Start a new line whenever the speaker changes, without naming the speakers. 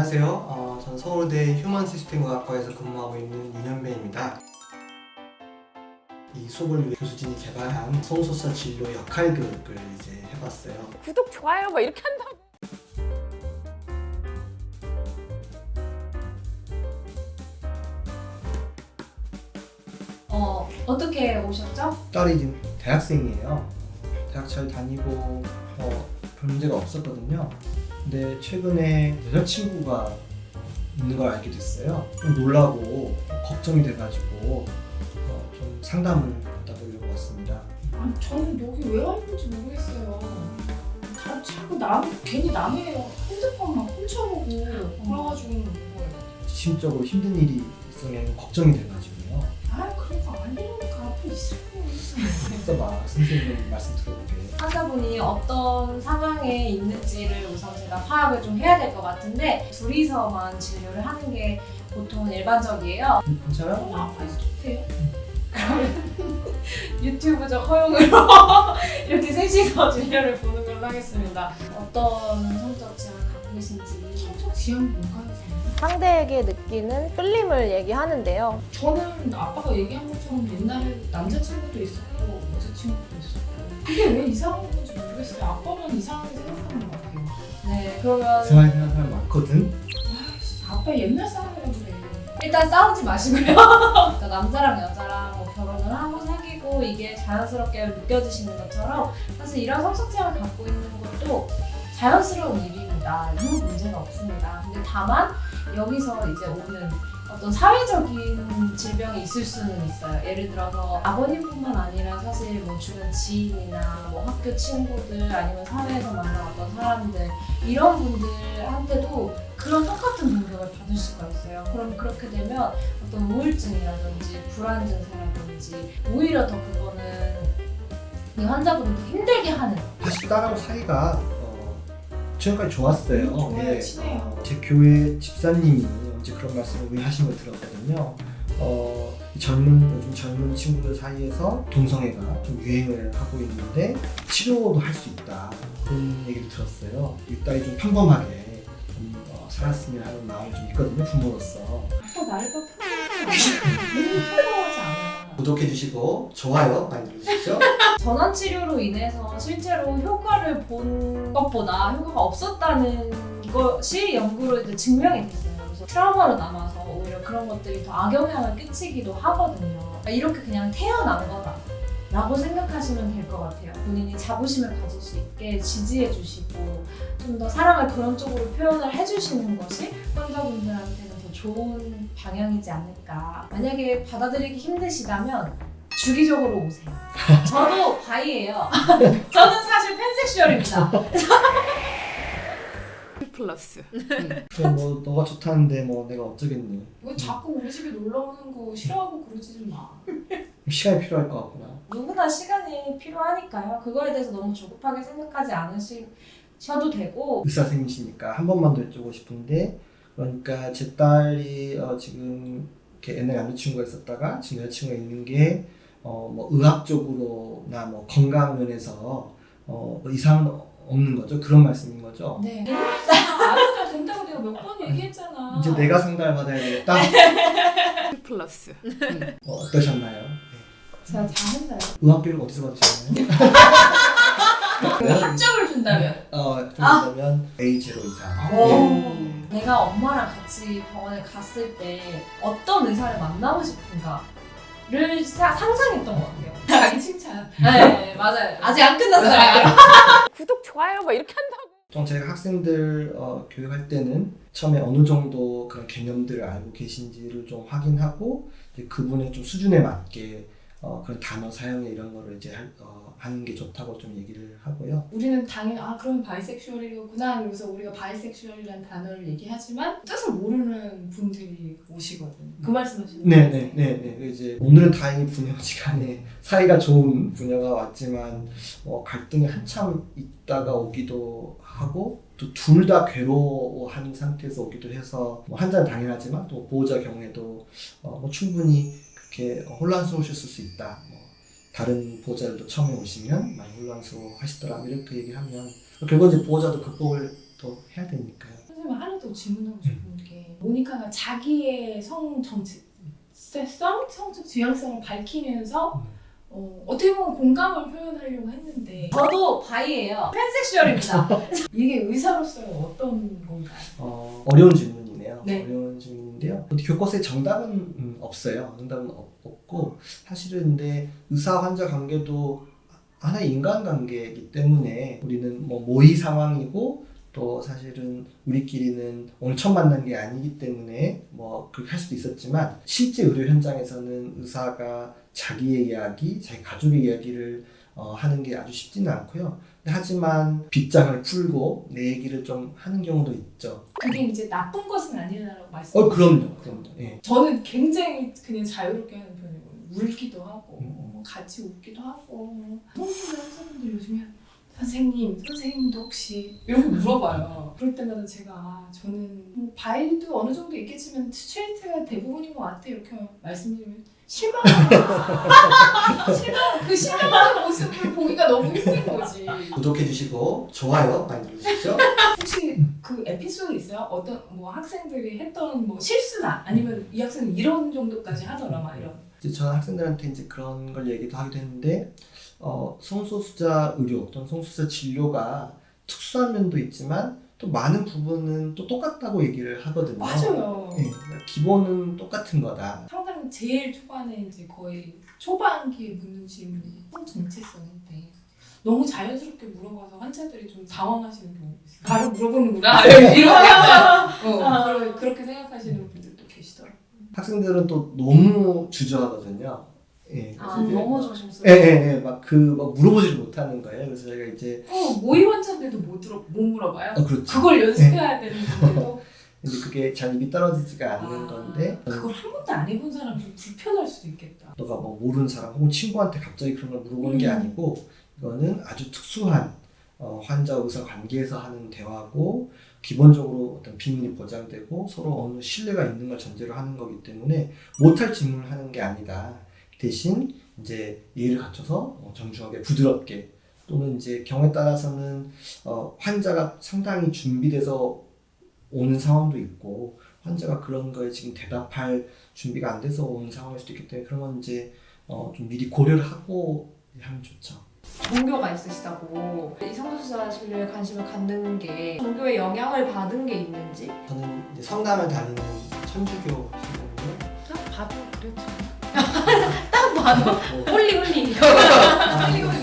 안녕하세요. 저는 서울대 휴먼시스템과학과에서 근무하고 있는 윤현배입니다. 이 수업을 위해 교수진이 개발한 성소수자 진로 역할 교육을 이제 해봤어요.
구독, 좋아요 막 이렇게 한다고.
어떻게 오셨죠?
딸이 지금 대학생이에요. 대학 잘 다니고 별 문제가 없었거든요. 근데 최근에 여자친구가 있는 걸 알게 됐어요. 좀 놀라고 걱정이 돼가지고 좀 상담을 받아보려고 왔습니다.
아니 저는 여기 왜 왔는지 모르겠어요. 다 자꾸 괜히 남의 핸드폰만 훔쳐보고 그래가지고 온 거예요.
심적으로 힘든 일이 있으면 걱정이 돼가지고요.
아 그러니까 아니니까 앞에 있을 거예요.
써봐 선생님 말씀 들어볼게요.
환자분이 어떤 상황에 있는지를 우선 제가 파악을 좀 해야 될 것 같은데 둘이서만 진료를 하는 게 보통 일반적이에요.
괜찮아요?
아빠 있어도 돼요?
유튜브적 허용으로 이렇게 셋이서 진료를 보는 걸로 하겠습니다. 어떤 성적 지향을 갖고 계신지.
성적 지향 뭔가요?
상대에게 느끼는 끌림을 얘기하는데요.
저는 아빠가 얘기한 것처럼 옛날에 남자친구도 있었고 여자친구도 있었고 그게 왜 이상한 건지 모르겠어요. 아빠만 이상하게 생각하는 것 같아요.
네, 그러면
이상하게 생각하는 사람 많거든?
아빠 옛날 사람이라고 그래.
일단 싸우지 마시고요. 그러니까 남자랑 여자랑 뭐 결혼을 하고 사귀고 이게 자연스럽게 느껴지시는 것처럼 사실 이런 성적 지향을 갖고 있는 것도 자연스러운 일입니다. 아무 문제가 없습니다. 근데 다만 여기서 이제 오는 어떤 사회적인 질병이 있을 수는 있어요. 예를 들어서 아버님뿐만 아니라 사실 뭐 주변 지인이나 뭐 학교 친구들 아니면 사회에서 만난 어떤 사람들 이런 분들한테도 그런 똑같은 공격을 받을 수가 있어요. 그럼 그렇게 되면 어떤 우울증이라든지 불안 증세라든지 오히려 더 그거는 이 환자분을 더 힘들게 하는.
사실 딸하고 사이가 최근까지 좋았어요.
좋아요,
네,
친해요.
제 교회 집사님이 언제 그런 말씀을 하신 걸 들었거든요. 요즘 젊은 친구들 사이에서 동성애가 좀 유행을 하고 있는데 치료도 할 수 있다 그런 얘기를 들었어요. 이 딸이 좀 평범하게 좀 살았으면 하는 마음이 좀 있거든요. 부모로서.
아빠 나를 평범하지 않아.
구독해주시고 좋아요 많이 눌러주십시오.
전원 치료로 인해서 실제로 효과를 본 것보다 효과가 없었다는 것이 연구로 이제 증명이 됐어요. 그래서 트라우마로 남아서 오히려 그런 것들이 더 악영향을 끼치기도 하거든요. 그러니까 이렇게 그냥 태어난 거다 라고 생각하시면 될 것 같아요. 본인이 자부심을 가질 수 있게 지지해 주시고 좀 더 사랑을 그런 쪽으로 표현을 해주시는 것이 환자분들한테는 더 좋은 방향이지 않을까. 만약에 받아들이기 힘드시다면 주기적으로 오세요. 저도 바이예요. 저는 사실 팬섹슈얼입니다.
플러스.
그럼 뭐 너가 좋다는데 뭐 내가 어쩌겠니.
왜 자꾸 우리 집에 놀러 오는 거 싫어하고 그러지 좀 마.
시간이 필요할 것 같구나.
누구나 시간이 필요하니까요. 그거에 대해서 너무 조급하게 생각하지 않으셔도 되고.
의사 선생님이시니까 한 번만 더 여쭤보고 싶은데, 그러니까 제 딸이 지금 이렇게 옛날에 남자친구가 있었다가 지금 여자친구가 있는 게 뭐 의학적으로나 뭐 건강 면에서 이상은 없는 거죠? 그런 말씀인 거죠?
네.
알아도 된다고 내가 몇 번 얘기했잖아.
이제 내가 상담을 받아야 되겠다?
플러스.
어떠셨나요?
제가 잘했나요?
의학교육 어디서 받으셨나요?
학점을 준다면.
좀 그러면 A0 이상.
오.
내가 엄마랑 같이 병원에 갔을 때 어떤 의사를 만나고 싶은가를 상상했던 것 같아요.
자기 칭찬.
네, 맞아요. 아직 안 끝났어요.
구독, 좋아요 막 이렇게 한다고.
좀 제가 학생들 교육할 때는 처음에 어느 정도 그런 개념들을 알고 계신지를 좀 확인하고 이제 그분의 좀 수준에 맞게 그런 단어 사용에 이런 거를 이제 하는 게 좋다고 좀 얘기를 하고요.
우리는 당연히 그럼 바이섹슈얼이구나 그러면서 우리가 바이섹슈얼이라는 단어를 얘기하지만 뜻을 모르는 분들이 오시거든. 그 말씀하시는 거예요?
네네네. 이제 오늘은 다행히 부녀지간에 사이가 좋은 부녀가 왔지만 갈등이 한참 있다가 오기도 하고 또 둘 다 괴로워하는 상태에서 오기도 해서 뭐 환자는 당연하지만 또 보호자 경우에도 뭐 충분히 그렇게 혼란스러우셨을 수 있다. 다른 보호자들도 처음에 오시면 많이 혼란스러워 하시더라 이렇게 얘기하면 결국 이제 보호자도 극복을 또 해야 되니까요.
선생님 하는 또 질문하고 싶은 게 모니카가 자기의 성 정체성, 성적 지향성을 밝히면서 어떻게 보면 공감을 표현하려고 했는데
저도 바이예요. 팬섹슈얼입니다.
이게 의사로서의 어떤 건가요?
어려운 질문이네요.
네.
어려운 질문인데요. 교과서에 정답은 없어요. 정답은 없고 사실은 근데 의사 환자 관계도 하나의 인간관계이기 때문에 우리는 뭐 모의 상황이고 또 사실은 우리끼리는 오늘 처음 만난 게 아니기 때문에 뭐 그렇게 할 수도 있었지만 실제 의료 현장에서는 의사가 자기의 이야기, 자기 가족의 이야기를 하는 게 아주 쉽지는 않고요. 하지만 빗장을 풀고 내 얘기를 좀 하는 경우도 있죠.
그게 이제 나쁜 것은 아니라고 말씀하셨죠.
그럼요. 예.
저는 굉장히 그냥 자유롭게 하는 편이거든요. 울기도 하고 같이 웃기도 하고 성수들 환자분들 요즘에 선생님도 혹시 이런 거 물어봐요. 그럴 때마다 제가 저는 뭐 바이도 어느 정도 있겠지만 스트레이트가 대부분인 것 같아 이렇게 말씀드리면 그 실망하는 모습을 보기가 너무 힘든 거지.
구독해 주시고 좋아요 많이 눌러주시죠.
혹시 그 에피소드 있어요? 어떤 뭐 학생들이 했던 뭐 실수나 아니면 이 학생은 이런 정도까지 하더라 막 이런.
이제 저는 학생들한테 이제 그런 걸 얘기도 하기도 했는데 성소수자 의료 또는 성소수자 진료가 특수한 면도 있지만 또 많은 부분은 또 똑같다고 얘기를 하거든요.
맞아요.
네, 기본은 똑같은 거다.
상담 제일 초반에 이제 거의 초반기에 묻는 질문이 성 정체성인데 너무 자연스럽게 물어봐서 환자들이 좀 당황하시는 경우가 있어요. 바로 물어보는구나 이렇게 그렇게 생각하시는 분들도 계시더라고요.
학생들은 또 너무 주저하거든요. 예, 그래서 이제
너무 조심스러워.
막 물어보지를 못하는 거예요. 그래서 저희가 이제
모의 환자들도 못 물어봐요.
그렇죠.
그걸 연습해야 되는데도
근데 그게 잘 입이 떨어지지가 않는 건데
그걸 한 번도 안 해본 사람 좀 불편할 수도 있겠다.
너가 뭐 모르는 사람 혹은 친구한테 갑자기 그런 걸 물어보는 게 아니고 이거는 아주 특수한 환자 의사 관계에서 하는 대화고 기본적으로 어떤 비밀이 보장되고 서로 어느 신뢰가 있는 걸 전제로 하는 거기 때문에 못할 질문을 하는 게 아니다. 대신 이제 예의를 갖춰서 정중하게 부드럽게 또는 이제 경우에 따라서는 환자가 상당히 준비돼서 오는 상황도 있고 환자가 그런 거에 지금 대답할 준비가 안 돼서 오는 상황일 수도 있기 때문에 그런 건 이제 좀 미리 고려를 하고 하면 좋죠.
종교가 있으시다고 이 성소수자 진료에 관심을 갖는 게 종교의 영향을 받은 게 있는지
저는 이제 성당을 다니는 천주교 신앙이고요.
딱 봐도 그랬죠.
딱 봐도
뭐,
홀리.
아,